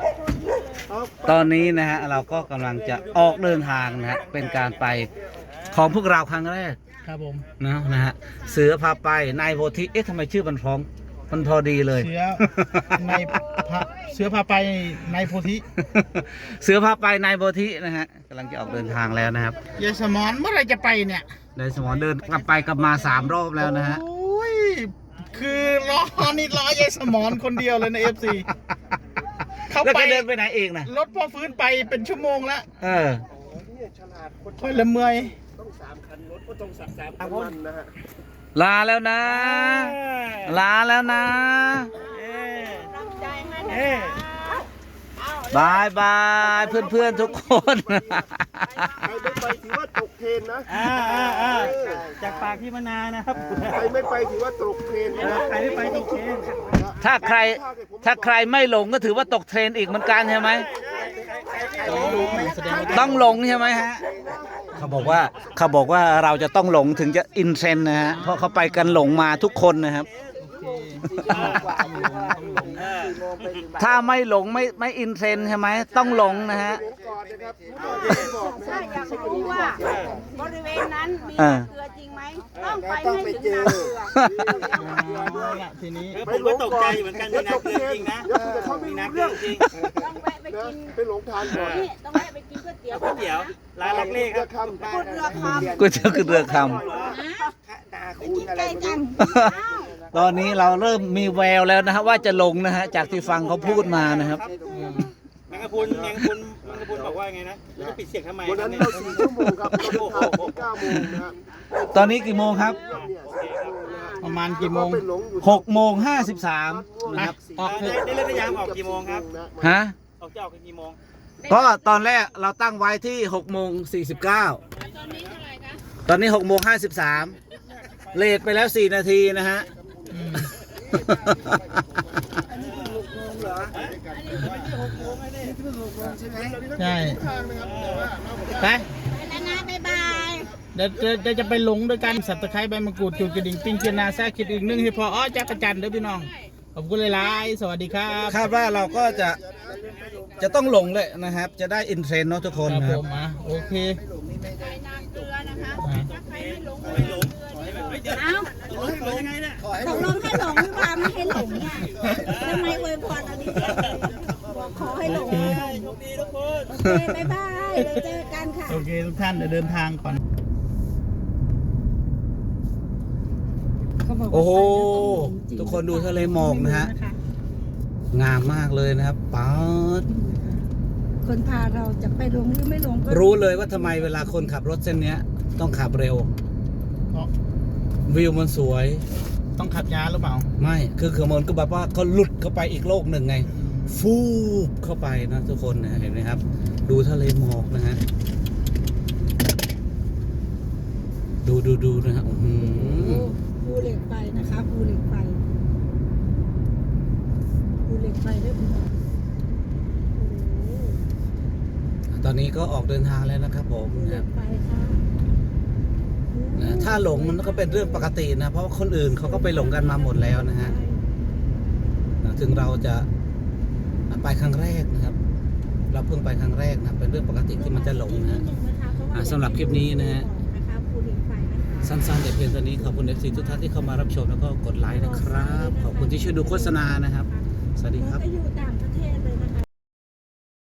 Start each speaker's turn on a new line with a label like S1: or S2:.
S1: ตอนนี้นะฮะเราก็กำลังจะออกเดินทางนะฮะเป็นการไปของพวกเราครั้งแรก
S2: ครับผม
S1: นะฮะเสือพาไปนายโพธิเอ๊ะทำไมชื่อมันพ้องมันพอดีเลย
S2: เสือในเสือพาไปในโพธิ
S1: เสือพาไปนายโพธินะฮะกำลังจะออกเดินทางแล้วนะครับ
S2: ยายสมอนเมื่อไรจะไปเนี่ย
S1: นายสมรเดินกลับไปกลับมา3 รอบแล้วนะฮะ
S2: โอ้ยคือรอยายสมอนคนเดียวเลยใน FC เขา
S1: แล้ว
S2: ไป
S1: ก็เดินไปไหนเองนะ
S2: รถพ่อฟื้นไปเป็นชั่วโมงแล้ว
S1: เออ
S2: ค่อยละเมื่อย
S1: ลาแล้วนะ ลาแล้วนะบายบายเพื่อนๆทุกคน
S3: ใครไม่ไปถือว่าตกเทรนนะ
S2: จากปากพี่มนานะครับ
S3: ใครไม่ไปถือว่าตกเทรนนะ
S2: ใครไม่ไปตกเทรน
S1: ถ้าใครไม่หลงก็ถือว่าตกเทรนอีกเหมือนกันใช่ไหมต้องหลงใช่ไหมฮะเขาบอกว่าเราจะต้องหลงถึงจะอินเทรนด์นะฮะเพราะเขาไปกันหลงมาทุกคนนะครับ ถ้าไม่หลงไม่อินเทรนด์ใช่ไหมต้องหลงนะฮะ
S3: ก่อนนะครับ
S4: ถ้าอยากรู้ว่าบริเวณนั้นมี
S1: อ่า
S4: เกลือจริงไหมต้องไปให้ถึงนาเกลือ
S2: ทีนี้
S3: ผมก็ตกใจเหมือนกันนะเรื่องจริงนะเดี๋ยวคุณจะเข้าไม่รู้เรื่องจริง
S4: ต้องแวะไปกิน
S3: ไปหลงทางก่อน
S4: นี่ต้องแวะไปกินก๋วยเตี๋ยวก๋วยเตี๋ยว
S3: ร้านเล็กๆครับ
S4: ก๋วยเรือคำ
S1: ก๋วยเตี๋ยวคือเรือค
S4: นะไปกินใกล้กัน
S1: ำตอนนี้เราเริ่มมีแววแล้วนะฮะว่าจะหลงนะฮะจากที่ฟังเขาพูดมานะครับ
S5: แมงกะพรุนบอกว่าไงนะแล้วจะปิดเสียงทำไม
S3: วันนั้นเรา4 ชั่วโมงครับเราเดินทางที่9 โมงนะฮะ
S1: ตอนนี้กี่โมงครับ
S3: เนี่ย4 ชั่วโมงนะฮะ
S2: ประมาณกี่โมง
S3: ไปหลงอยู่
S1: 6:53นะครับ
S2: ออกเถอะ
S5: ได้เลิกได้ยามออกกี่โมงครับ
S1: ฮะ
S5: ออกจะออกกี่โมง
S1: ก็ตอนแรกเราตั้งไว้ที่6:49ตอนนี้6:53เลทไปแล้ว4 นาทีนะฮะ
S2: ใช่ไป
S4: แล้วนะบ๊ายบาย
S2: เดี๋ยวจะไปหลงด้วยกันสับตะไคร้ใบมะกรูดจุดกระดิ่งปิ้งเชียนาแซ่คิดอีกนึงให้พอจักรจันทร์เด้อพี่น้องขอบคุณหลายๆสวัสดีครับ
S1: คาดว่าเราก็จะต้องหลงเลยนะครับ จะได้อินเทรนด์เนาะทุกคน
S2: ครับ
S1: นะค
S2: ผ
S1: รับ
S2: มโอเค
S4: ไปนาเกลือนะคะถ้าใครไม่หลงก็ไม่หลงเอ้า
S5: ขอยังไงเนี่ย
S4: ตกลงให้หลงหรือเปล่าไม่ให้หลงเนี่ยทำไมอวยพรเอาดีๆบอกขอให้หลง
S5: โชคดีทุกคน
S4: โอเคบ๊ายบายเดี๋ยวเจอกันค่ะ
S2: โอเคทุกท่านเดี๋ยวเดินทางก่อน
S1: โอ้โหทุกคนดูทะเลหมอกนะฮะงามมากเลยนะครับป๊าด
S4: คนพาเราจะไปลงหรือไม่ลงก็
S1: รู้เลยว่าทำไมเวลาคนขับรถเส้นเนี้ย ต้องขับเร็ว
S2: เพราะ
S1: วิวมันสวย
S2: ต้องขับยาหรือเปล่า
S1: ไม่คือมันก็แบบว่าเขาหลุดเข้าไปอีกโลกหนึ่งไง ฟูบเข้าไปนะทุกคนนะเห็นไหมครับ ดูทะเลหมอกนะฮะดูนะฮะอื้อหือ
S4: ภูเหล็กไฟนะคะภูเหล็กไฟภูเหล็กไฟด้วยคุณหมอ
S1: ตอนนี้ก็ออกเดินทางแล้วนะครับผม
S4: ภูเห
S1: นะค
S4: ล็
S1: รับ
S4: กไฟค่ะ
S1: นะถ้าหลงมันก็เป็นเรื่องปกตินะเพราะว่าคนอื่นเขาก็ไปหลงกันมาหมดแล้วนะฮะถึงเราจะไปครั้งแรกนะครับ เราเพิ่งไปครั้งแรกนะเป็นเรื่องปกติที่มันจะหลงนะฮะสำหรับคลิปนี้นะฮะ
S4: นะคะภูเหล็กไฟนะคะ
S1: สั้นๆแต่เพียงเท่านี้ขอบคุณ FC ทุกท่านที่เข้ามารับชมแล้วก็กดไลค์นะครับ ขอบคุณที่ช่วยดูโฆษณานะครับ สวัสดีครับ
S4: ก็อยู่ต่าง